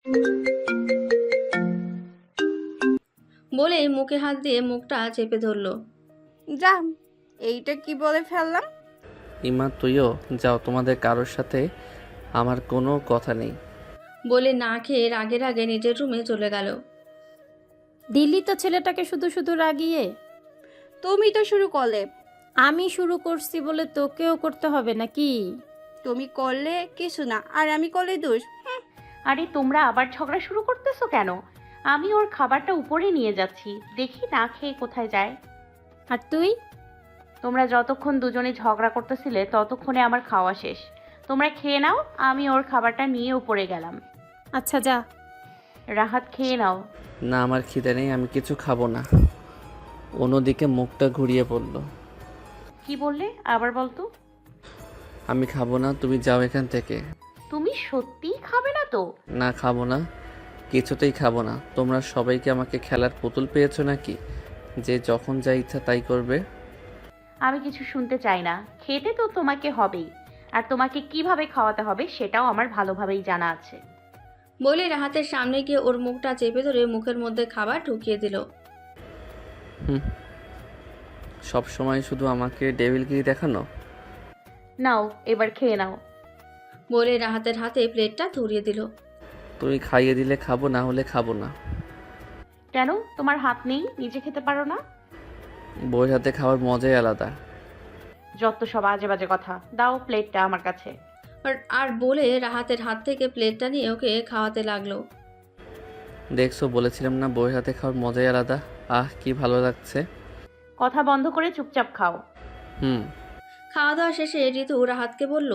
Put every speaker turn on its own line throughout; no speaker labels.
বলেই মুখে হাত দিয়ে মুখটা চেপে ধরল।
যা, এইটা কি বলে ফেললাম?
ইমা তুইও যাও, তোমাদের কারোর সাথে আমার কোনো কথা নেই।
বলে না খেয়ে রাগে রাগে নিজের রুমে চলে গেল।
দিল্লি তো ছেলেটাকে শুধু শুধু রাগিয়ে।
তুমি তো শুরু করলে।
আমি শুরু করছি বলে তোকেও করতে হবে নাকি?
তুমি করলে কিছু না, আর আমি করলে দোষ।
আরে তোমরা আবার ঝগড়া শুরু করতেছো কেন? আমি ওর খাবারটা উপরে নিয়ে যাচ্ছি, দেখি না খেয়ে কোথায় যায়।
আর তুই?
তোমরা যতক্ষণ দুজনে ঝগড়া করতেছিলে ততক্ষণে আমার খাওয়া শেষ। তোমরা খেয়ে নাও, আমি ওর খাবারটা নিয়ে উপরে গেলাম।
আচ্ছা যা।
রাহাত খেয়ে নাও।
না, আমার খিদে নেই, আমি কিছু খাবো না। অন্যদিকে মুখটা ঘুরিয়ে পড়ল।
কি বললে? আবার বলতো।
আমি খাবো না, তুমি যাও এখান থেকে।
তুমি সত্যিই খাবে না তো?
না, খাবো না, কিছুতেই খাবো না। তোমরা সবাইকে আমাকে খেলার পুতুল পেয়েছো নাকি, যে যখন যা ইচ্ছা তাই করবে?
আমি কিছু শুনতে চাই না। খেতে তো তোমাকে হবেই, আর তোমাকে কিভাবে খাওয়াতে হবে সেটাও আমার ভালোভাবেই জানা আছে।
বলে রাহাতের সামনে গিয়ে ওর মুখটা চেপে ধরে মুখের মধ্যে খাবার ঢুকিয়ে দিল।
সব সময় শুধু আমাকে ডেভিলগিরি দেখানো।
নাও, এবার খেয়ে নাও।
বলে রাহাতের হাতে প্লেটটা ধরিয়ে দিল।
তুমি খাইয়ে দিলে খাবো, না হলে খাবো না।
কেন? তোমার হাত নেই, নিজে খেতে পারো না?
বউয়ের হাতে খাওয়ার মজাই আলাদা।
যত সব আজে বাজে কথা। দাও প্লেটটা আমার কাছে।
আর বলে রাহাতের হাত থেকে প্লেটটা নিয়ে ওকে খাওয়াতে লাগলো।
দেখছো, বলেছিলাম না বউয়ের হাতে খাওয়ার মজাই আলাদা। আহ, কি ভালো লাগছে।
কথা বন্ধ করে চুপচাপ খাও।
হুম।
খাওয়া দাওয়া শেষে ঋতু রাহাতকে বলল,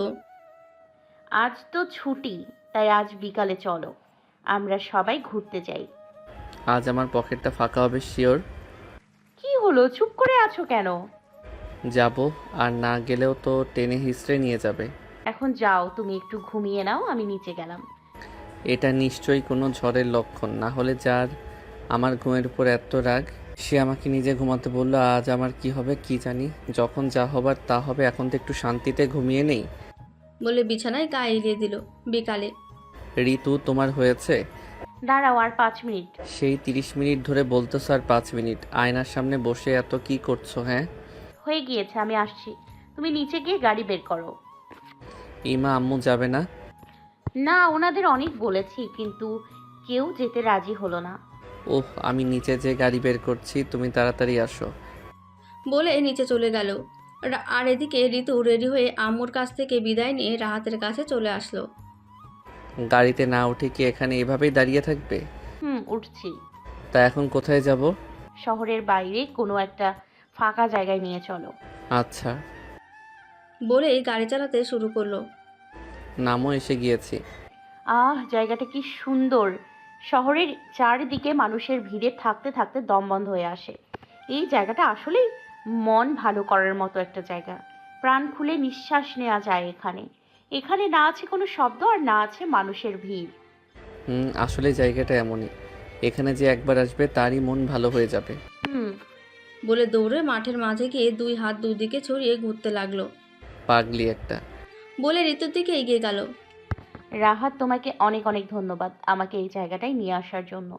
আজ তো ছুটি, তাই আজ বিকালে চলো, আমরা সবাই ঘুরতে যাই।
আজ আমার পকেটটা ফাঁকা হবে শিওর।
কি হলো, চুপ করে আছো কেন?
যাব, আর না গেলেও তো টেনে হিস্ট্রে নিয়ে যাবে।
এখন যাও, তুমি একটু ঘুমিয়ে নাও, আমি নিচে গেলাম।
এটা নিশ্চয়ই কোনো ঝড়ের লক্ষণ, না হলে যার আমার ঘুমের উপর এত রাগ সে আমাকে নিজে ঘুমাতে বললো। আজ আমার কি হবে কি জানি, যখন যা হবার তা হবে, এখন তো একটু শান্তিতে ঘুমিয়ে নেই।
বলে বিছানায় গায়ে এলিয়ে দিল। বিকালে।
ঋতু, তোমার হয়েছে?
দাঁড়াও আর 5 মিনিট।
সেই 30 মিনিট ধরে বলতেছো আর 5 মিনিট? আয়নার সামনে বসে এত কি করছো? হ্যাঁ,
হয়ে গিয়েছে, আমি আসছি। তুমি নিচে গিয়ে গাড়ি বের করো।
ইমা আম্মু যাবে না?
না, ওনাদের অনেক বলেছি, কিন্তু কেউ যেতে রাজি হলো না।
ওহ, আমি নিচে যে গাড়ি বের করছি, তুমি তাড়াতাড়ি আসো।
বলে নিচে চলে গেল। আর এদিকে ঋতু রেডি হয়ে আম্মুর কাছ থেকে বিদায় নিয়ে রাহাতের কাছে চলে আসলো।
গাড়িতে না উঠে কি এখানে এভাবেই দাঁড়িয়ে থাকবে?
উঠছি।
তা এখন কোথায় যাব?
শহরের বাইরে কোনো একটা ফাঁকা জায়গায় নিয়ে চলো।
আচ্ছা।
বলেই গাড়ি চালাতে শুরু করলো।
নামও এসে গিয়েছি।
জায়গাটা কি সুন্দর। শহরের চারিদিকে মানুষের ভিড়ে থাকতে থাকতে দম বন্ধ হয়ে আসে। এই জায়গাটা আসলেই মন ভালো করার মতো একটা জায়গা। প্রাণ খুলে নিঃশ্বাস নেওয়া যায় এখানে। এখানে না আছে কোনো শব্দ, আর না আছে মানুষের ভিড়।
আসলে জায়গাটা এমনই, এখানে যে একবার আসবে তারই মন ভালো হয়ে যাবে।
বলে দৌড়ে মাঠের মাঝে গিয়ে দুই হাত দুদিকে ছড়িয়ে ঘুরতে লাগলো।
পাগলি একটা।
বলে ঋতুর দিকে এগিয়ে গেল।
রাহাত, তোমাকে অনেক অনেক ধন্যবাদ আমাকে এই জায়গাটায় নিয়ে আসার জন্য।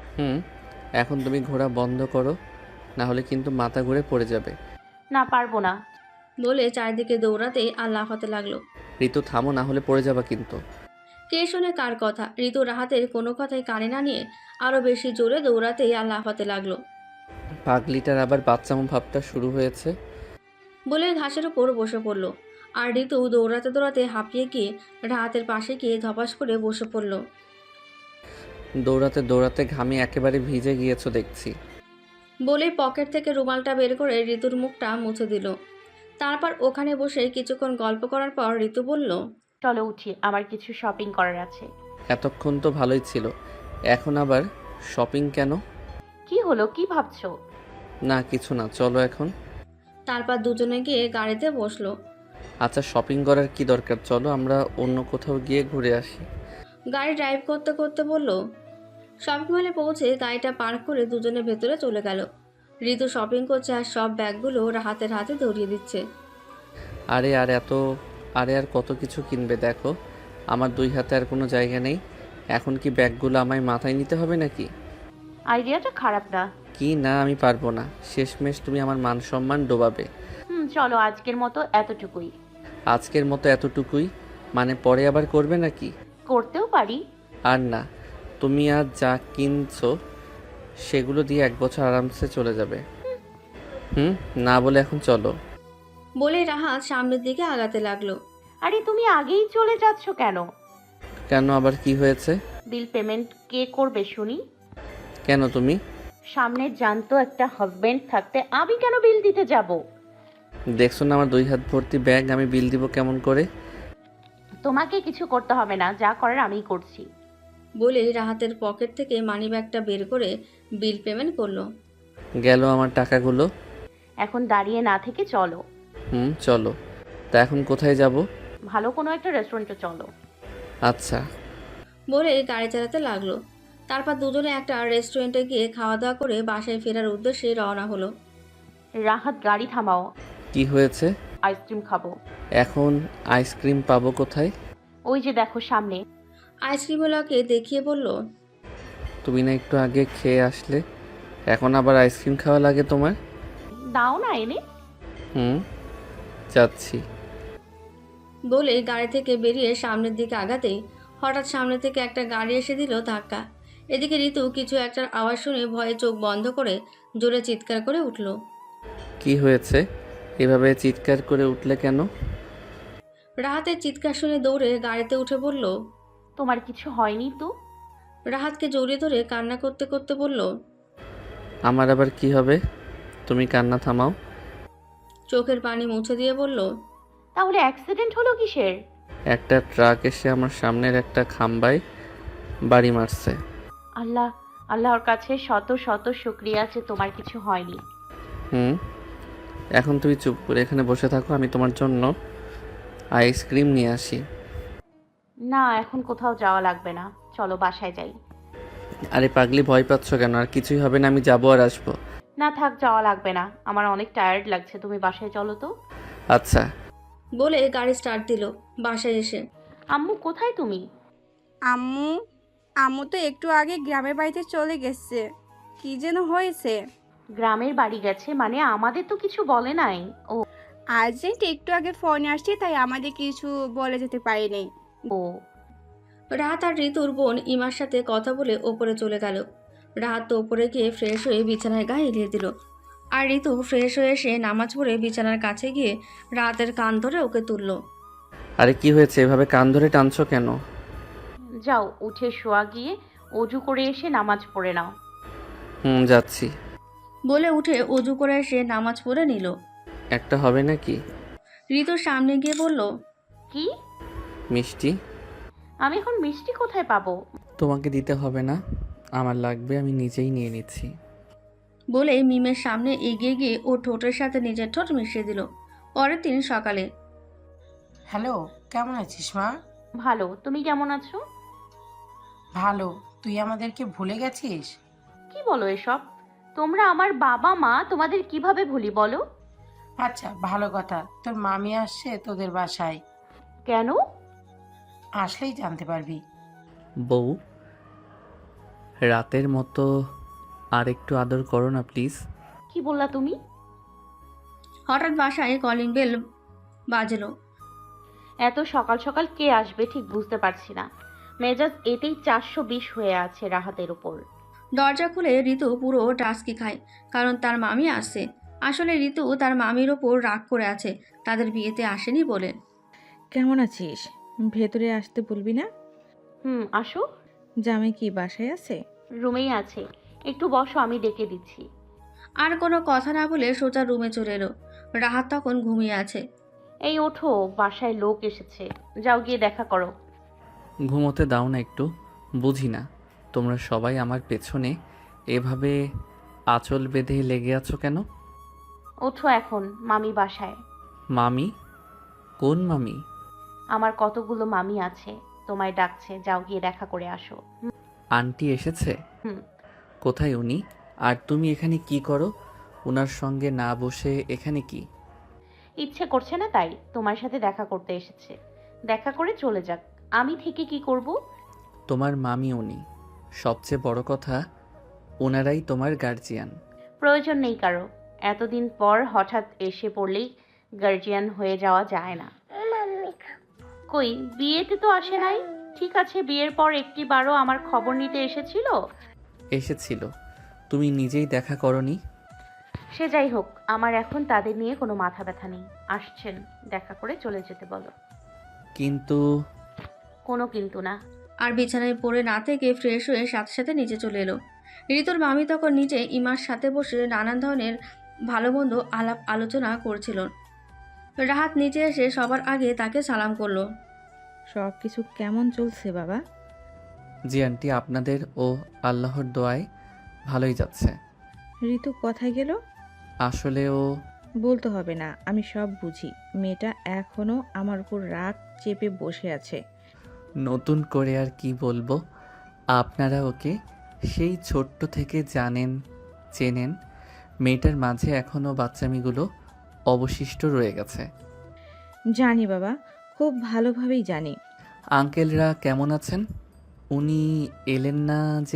এখন তুমি ঘোরা বন্ধ করো, না হলে কিন্তু মাথা ঘুরে পড়ে যাবে।
না, পারবো না।
বলে চারিদিকে দৌড়াতেই আর লাফাতে লাগলো।
ঋতু থামো, না হলে পড়ে যাবা কিন্তু।
কে শোনে কার কথা? ঋতু রাহাতের কোনো কথাই কানে না নিয়ে আরো বেশি জোরে দৌড়াতেই আর লাফাতে লাগলো।
পাগলিটার আবার বাচ্চামো ভাবটা শুরু হয়েছে।
বলে ঘাসের উপর বসে পড়ল। আর ঋতু দৌড়াতে দৌড়াতে হাঁপিয়ে গিয়ে রাহাতের পাশে গিয়ে ধপাস করে বসে পড়ল।
দৌড়াতে দৌড়াতে ঘামে একেবারে ভিজে গিয়েছো দেখছি।
বলে পকেট থেকে রুমালটা বের করে ঋতুর মুখটা মুছে দিল। তারপর ওখানে বসে কিছুক্ষণ গল্প করার পর ঋতু বলল,
চলো উঠি, আমার কিছু শপিং করার আছে।
এতক্ষণ তো ভালোই ছিল, এখন আবার শপিং কেন?
কি হলো, কি ভাবছো?
না কিছু না, চলো এখন।
তারপর দুজনে গিয়ে গাড়িতে বসলো।
আচ্ছা, শপিং করার কি দরকার, চলো আমরা অন্য কোথাও গিয়ে ঘুরে আসি।
গাড়ি ড্রাইভ করতে করতে বলল। শপিং মলে পৌঁছে গাড়িটা পার্ক করে দুজনে ভেতরে চলে গেল। ঋতু শপিং করছে আর সব ব্যাগগুলো রাহাতের হাতে ধরিয়ে দিচ্ছে।
আরে আর কত কিছু কিনবে, দেখো আমার দুই হাতে আর কোনো জায়গা নেই। এখন কি ব্যাগগুলো আমায় মাথায় নিতে হবে নাকি?
আইডিয়াটা খারাপ না।
কি না, আমি পারবো না। শেষমেশ তুমি আমার মান সম্মান ডোবাবে।
চলো আজকের মতো এতটুকুই।
আজকের মতো এতটুকুই? মানে পরে আবার করবে নাকি?
করতেও পারি।
আর না, তুমি আজ যা কিনছো সেগুলো দিয়ে 1 বছর আরামসে চলে যাবে। না বলে এখন চলো।
বলে রাহাত সামনের দিকে আগাতে লাগলো।
আরে তুমি আগেই চলে যাচ্ছ কেন?
কেন, আবার কি হয়েছে?
বিল পেমেন্ট কে করবে শুনি?
কেন তুমি?
সামনে জানতো একটা হাজবেন্ড থাকতে আমি কেন বিল দিতে যাব?
দেখছো না আমার 2 হাত ভর্তি ব্যাগ, আমি বিল দিব কেমন করে?
তোমাকে কিছু করতে হবে না, যা করার আমিই করছি।
বলে রাহাতের পকেট থেকে মানিব্যাগটা বের করে বিল পেমেন্ট করলো।
গেল আমার টাকাগুলো।
এখন দাঁড়িয়ে না থেকে চলো।
চলো। তা এখন কোথায় যাব?
ভালো কোনো একটা রেস্টুরেন্টে চলো।
আচ্ছা।
বলে গাড়ি চালাতে লাগলো। তারপর দুজনে একটা রেস্টুরেন্টে গিয়ে খাওয়া দাওয়া করে বাসায় ফেরার উদ্দেশ্যে রওনা হলো।
রাহাত গাড়ি থামাও,
কি হয়েছে?
আইসক্রিম খাবো।
এখন আইসক্রিম পাবো কোথায়?
ওই যে দেখো সামনে।
আইসক্রিমওয়ালাকে দেখিয়ে বলল,
তুমি না একটু আগে খেয়ে আসলে, এখন আবার আইসক্রিম খাওয়া লাগে তোমার?
দাও না এনে।
যাচ্ছি।
বলে গাড়ি থেকে বেরিয়ে সামনের দিকে আগাতেই হঠাৎ সামনে থেকে একটা গাড়ি এসে দিল ধাক্কা। এদিকে ঋতু কিছু একটার আওয়াজ শুনে ভয়ে চোখ বন্ধ করে জোরে চিৎকার করে উঠল।
কি হয়েছে? এভাবে চিৎকার করে উঠলে কেন?
রাহাতের চিৎকার শুনে দৌড়ে গাড়িতে উঠে বলল।
তোমার কিছু হয়নি তো?
রাহাতকে জড়িয়ে ধরে কান্না করতে করতে বলল,
আমার আবার কি হবে? তুমি কান্না থামাও।
চোখের পানি মুছে দিয়ে বলল,
তাহলে অ্যাক্সিডেন্ট হলো কিসের?
একটা ট্রাক এসে আমার সামনের একটা খাম্বায় বাড়ি মারছে।
আল্লাহ, আল্লাহর কাছে শত শত শুকরিয়া যে তোমার কিছু হয়নি।
এখন তুমি চুপ করে এখানে বসে থাকো, আমি তোমার জন্য আইসক্রিম নিয়ে আসি।
না, এখন কোথাও যাওয়া লাগবে না, চলো বাসায় যাই।
আরে পাগলি, ভয় পাচ্ছ কেন? আর কিছুই হবে না, আমি যাবো আর আসবো।
না থাক, যাওয়া লাগবে না, আমার অনেক টায়ার্ড লাগছে, তুমি বাসায় চলো তো।
আচ্ছা।
বলে গাড়ি স্টার্ট দিল। বাসায় এসে,
আম্মু কোথায় তুমি?
আম্মু আম্মু তো একটু আগে গ্রামের বাড়িতে চলে গেছে। কি যেন হয়েছে?
গ্রামের বাড়ি গেছে মানে? আমাদের তো কিছু বলে নাই। ও
আর্জেন্ট একটু আগে ফোন আসছে, তাই আমাদের কিছু বলে যেতে পারিনি।
ও
রাহাত আর ঋতুর বোন ইমার সাথে কথা বলে ওপরে চলে গেল। রাহাত তো ওপরে গিয়ে ফ্রেশ হয়ে বিছানায় গা এলিয়ে দিল। আর ঋতু ফ্রেশ হয়ে এসে নামাজ পড়ে বিছানার কাছে গিয়ে রাহাতের কান ধরে ওকে তুলল।
আরে কি হয়েছে? এভাবে কান ধরে টানছো কেন?
যাও, উঠে শোয়া গিয়ে অজু করে এসে নামাজ পড়ে নাও।
যাচ্ছি।
বলে উঠে অজু করে এসে নামাজ পড়ে নিল।
একটা হবে নাকি?
ঋতুর সামনে গিয়ে বলল,
কি?
মিষ্টি।
আমি এখন মিষ্টি কোথায় পাবো?
তোমাকে দিতে হবে না, আমার লাগবে, আমি নিজেই নিয়ে নিচ্ছি।
বলে মিমের সামনে এগিয়ে গিয়ে ও ঠোঁটের সাথে নিজের ঠোঁট মিশিয়ে দিল। পরের দিন সকালে,
হ্যালো, কেমন আছিস মা?
ভালো, তুমি কেমন আছো?
ভালো। তুই আমাদেরকে ভুলে গেছিস?
কি বলো এসব? তোমরা আমার বাবা মা, তোমাদের কিভাবে ভুলি বলো?
আচ্ছা, ভালো কথা। তোর মামি আসছে তোদের বাসায়,
কেন?
আসলেই জানতে পারবি।
বউ, রাতের মতো আর একটু আদর করো না প্লিজ।
কি বললা তুমি?
হঠাৎ বাসায় কলিং বেল বাজলো।
এত সকাল সকাল কে আসবে ঠিক বুঝতে পারছি না। মেজাজ এতেই 420 হয়ে আছে রাহাতের উপর।
দরজা খুলে ঋতু পুরো টাস্কি খায়, কারণ তার মামি আসছে। আসলে ঋতু তার মামির ওপর রাগ করে আছে, তাদের বিয়েতে আসেনি বলে।
কেমন আছিস? ভেতরে আসতে বলবি না?
আসো।
জামাই কি বাসায় আছে?
রুমেই আছে, একটু বসো, আমি ডেকে দিচ্ছি।
আর কোনো কথা না বলে সোজা রুমে চলে এলো। রাহাত তখন ঘুমিয়ে আছে।
এই ওঠো, বাসায় লোক এসেছে, যাও গিয়ে দেখা করো।
ঘুমোতে দাও না একটু? বুঝি না তোমরা সবাই আমার পেছনে এভাবে আঁচল বেঁধে লেগে আছো কেন?
ওঠো, এখন মামি বাসায়।
মামি? কোন মামি?
আমার কতগুলো মামি আছে, তোমায় ডাকছে, যাও গিয়ে দেখা করে আসো।
আন্টি এসেছে?
হুম।
কোথায় উনি? আর তুমি এখানে কি করো? ওনার সঙ্গে না বসে এখানে কি?
ইচ্ছে করছে না তাই তোমার সাথে দেখা করতে এসেছে। দেখা করে চলে যাক, আমি থেকে কি করব?
তোমার মামি উনি। সবচেয়ে বড় কথা, ওনারাই তোমার গার্জিয়ান।
প্রয়োজন নেই কারো। এতদিন পর হঠাৎ এসে পড়লেই গার্জিয়ান হয়ে যাওয়া যায় না। কই, বিয়েতে তো আসে নাই। ঠিক আছে, বিয়ের পর একটিবারও আমার খবর নিতে এসেছিল?
এসেছিল, তুমি নিজেই দেখা করনি।
সে যাই হোক, আমার এখন তাদের নিয়ে কোনো মাথা ব্যথা নেই। আসছেন, দেখা করে চলে যেতে বলো।
কিন্তু
কোনো কিন্তু না।
আর বিছানায় পড়ে না থেকে ফ্রেশ হয়ে সাথে সাথে নিচে চলে এলো। ঋতুর মামি তখন নিচে ইমার সাথে বসে নানান ধরনের ভালো মন্দ আলাপ আলোচনা করছিল। রাহাত নিচে এসে সবার আগে তাকে সালাম করলো।
সব কিছু কেমন চলছে বাবা?
জি আন্টি, আপনাদের ও আল্লাহর দোয়ায় ভালোই যাচ্ছে।
ঋতু কোথায় গেল?
আসলে ও
বলতে হবে না, আমি সব বুঝি। মেয়েটা এখনো আমার উপর রাগ চেপে বসে আছে।
নতুন করে আর কি বলবো, আপনারা ওকে সেই ছোট্ট থেকে জানেন, চেনেন। মেয়েটার মাঝে এখনও বাচ্চামিগুলো অবশিষ্ট রয়ে গেছে।
জানি বাবা, খুব ভালোভাবেই জানি।
আঙ্কেলরা কেমন আছেন? উনি এলেন না যে?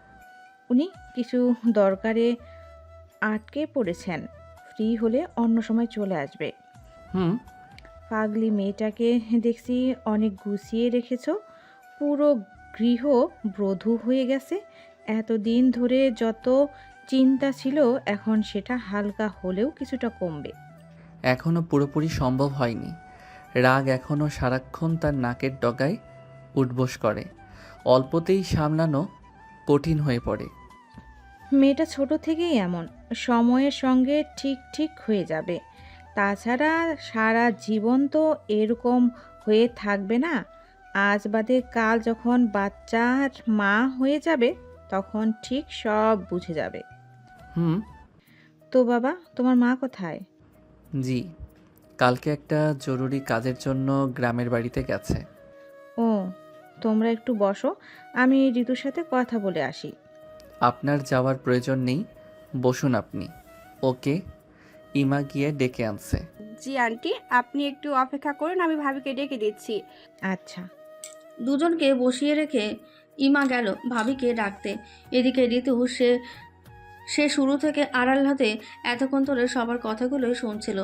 উনি কিছু দরকারে আটকে পড়েছেন, ফ্রি হলে অন্য সময় চলে আসবে।
হুম।
পাগলি মেয়েটাকে দেখছি অনেক গুছিয়ে রেখেছো, পুরো গৃহ বধূ হয়ে গেছে। এতদিন ধরে যত চিন্তা ছিল এখন সেটা হালকা হলেও কিছুটা কমবে।
এখনও পুরোপুরি সম্ভব হয়নি। রাগ এখনও সারাক্ষণ তার নাকের ডগায় উঠবোস করে। অল্পতেই সামলানো কঠিন হয়ে পড়ে।
মেয়েটা ছোট থেকেই এমন, সময়ের সঙ্গে ঠিক ঠিক হয়ে যাবে। তাছাড়া সারা জীবন তো এরকম হয়ে থাকবে না। আজ বাদে কাল যখন বাচ্চার মা হয়ে যাবে তখন ঠিক সব বুঝে যাবে।
হুম।
তো বাবা, তোমার মা কোথায়?
জি, কালকে একটা জরুরি কাজের জন্য গ্রামের বাড়িতে গেছে।
ও, তোমরা একটু বসো, আমি ঋতুর সাথে কথা বলে আসি।
আপনার যাওয়ার প্রয়োজন নেই, বসুন আপনি। ওকে, ইমা গিয়ে ডেকে আনছে।
জি আন্টি, আপনি একটু অপেক্ষা করুন, আমি ভাবিকে ডেকে দিচ্ছি।
আচ্ছা।
দুজনকে বসিয়ে রেখে ইমা গেল ভাবিকে ডাকতে। এদিকে ঋতু সে সে শুরু থেকে আড়াল হাতে এতক্ষণ ধরে সবার কথাগুলোই শুনছিল।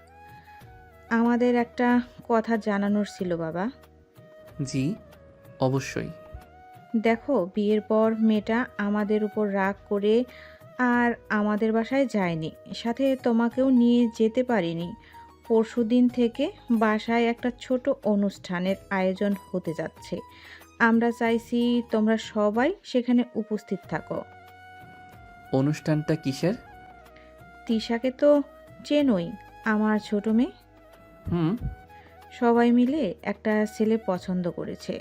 আমাদের একটা কথা জানানোর ছিল বাবা।
জি, অবশ্যই।
দেখো, বিয়ের পর মেয়েটা আমাদের উপর রাগ করে আর আমাদের বাসায় যায়নি, সাথে তোমাকেও নিয়ে যেতে পারিনি। পরশুদিন থেকে বাসায় একটা ছোট অনুষ্ঠানের আয়োজন হতে যাচ্ছে। আমরা চাইছি তোমরা সবাই সেখানে উপস্থিত থাকো।
অনুষ্ঠানটা কিসের?
তিশাকে তো চেনই, আমার ছোট মেয়ে।
হুম।
সবাই মিলে একটা ছেলে পছন্দ করেছে।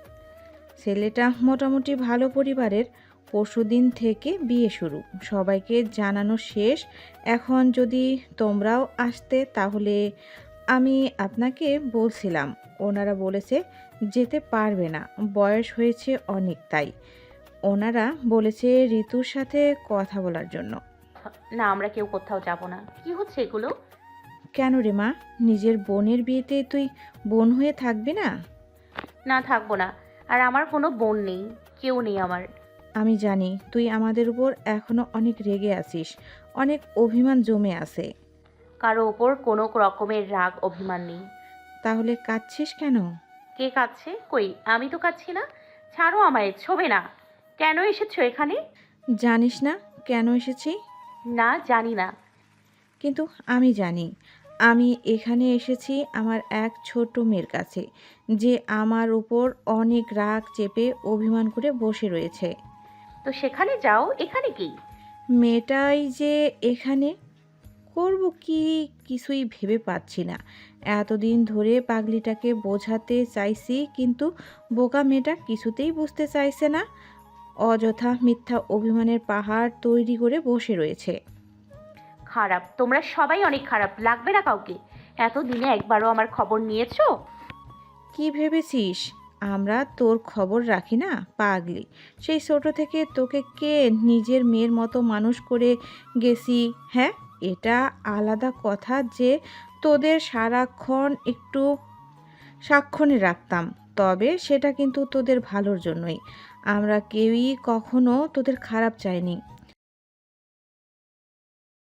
ছেলেটা মোটামুটি ভালো পরিবারের। পরশুদিন থেকে বিয়ে শুরু, সবাইকে জানানো শেষ। এখন যদি তোমরাও আসতে তাহলে। আমি আপনাকে বলছিলাম, ওনারা বলেছে যেতে পারবে না, বয়স হয়েছে অনেক, তাই ওনারা বলেছে ঋতুর সাথে কথা বলার জন্য।
না, আমরা কেউ কোথাও যাব না। কি হচ্ছে এগুলো?
কেন রে মা, নিজের বোনের বিয়েতে তুই বোন হয়ে থাকবি না?
না, থাকবো না। আর আমার কোনো বোন নেই, কেউ নেই আমার।
আমি জানি তুই আমাদের উপর এখনো অনেক রেগে আছিস, অনেক অভিমান জমে আছে।
কারো ওপর কোনো রকমের রাগ অভিমান নেই।
তাহলে কাঁদছিস কেন?
কে কাঁদছে? কই, আমি তো কাঁদছি না। ছাড়ো আমায়, ছোবে না। কেন এসেছো এখানে?
জানিস না কেন এসেছি?
না, জানি না।
কিন্তু আমি জানি। আমি এখানে এসেছি আমার এক ছোট মেয়ের কাছে, যে আমার উপর অনেক রাগ চেপে অভিমান করে বসে রয়েছে।
তো সেখানে যাও, এখানে কি?
মেয়েটাই যে এখানে, করব কি কিছুই ভেবে পাচ্ছি না। এতদিন ধরে পাগলিটাকে বোঝাতে চাইছি, কিন্তু বোকা মেয়েটা কিছুতেই বুঝতে চাইছে না। অযথা মিথ্যা অভিমানের পাহাড় তৈরি করে বসে রয়েছে।
খারাপ, তোমরা সবাই অনেক খারাপ। লাগবে না কাউকে। এতদিনে একবারও আমার খবর নিয়েছো?
কি ভেবেছিস আমরা তোর খবর রাখি না? পাগলি, সেই ছোট থেকে তোকে কে নিজের মেয়ের মতো মানুষ করে গেছি। হ্যাঁ, এটা আলাদা কথা যে তোদের সারাক্ষণ একটু সাক্ষণে রাখতাম, তবে সেটা কিন্তু তোদের ভালোর জন্যই। আমরা কেউই কখনো তোদের খারাপ চাইনি।